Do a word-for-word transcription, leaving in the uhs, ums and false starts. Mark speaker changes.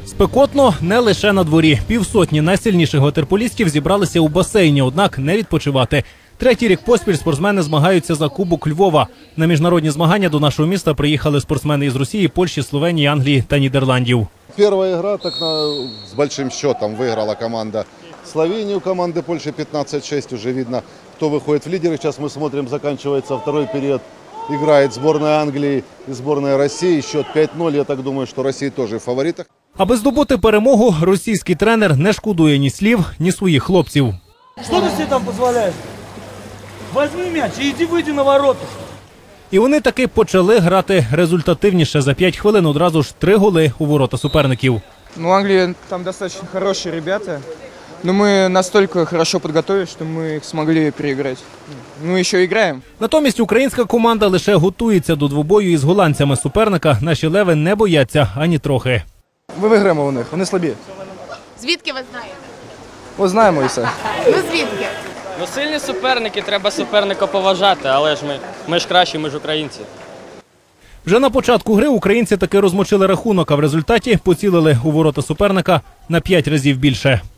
Speaker 1: Спекотно не лише на дворі. Півсотні найсильніших ватерполістів зібралися у басейні, однак не відпочивати. Третій рік поспіль спортсмени змагаються за Кубок Львова. На міжнародні змагання до нашого міста приїхали спортсмени із Росії, Польщі, Словенії, Англії та Нідерландів.
Speaker 2: Первая игра так на, с большим счетом выиграла команда Словении, у команды Польши пятнадцать шесть. Уже видно, кто выходит в лидеры. Сейчас мы смотрим, заканчивается второй период. Играет сборная Англии и сборная России. Счет п'ять ноль. Я так думаю, что Россия тоже в фаворитах.
Speaker 1: Аби здобути перемогу, російський тренер не шкодує ні слів, ні своїх хлопців.
Speaker 3: Що ти собі там дозволяєш? Візьми м'яч і йди вийди на ворота.
Speaker 1: І вони таки почали грати результативніше. За п'ять хвилин одразу ж три голи у ворота суперників.
Speaker 4: Ну, Англия, там достаточно хорошие ребята, но мы настолько хорошо подготовились, что мы их смогли переиграть. Ну, еще играем.
Speaker 1: Натомість українська команда лише готується до двобою із голландцями. Суперника наші леви не бояться ані трохи.
Speaker 4: Ми виграємо у них, вони слабі.
Speaker 5: Звідки ви знаєте?
Speaker 4: О, знаємо і все.
Speaker 5: Ну звідки?
Speaker 6: Ну, сильні суперники, треба суперника поважати, але ж ми, ми ж кращі, ми ж українці.
Speaker 1: Вже на початку гри українці таки розмочили рахунок, а в результаті поцілили у ворота суперника на п'ять разів більше.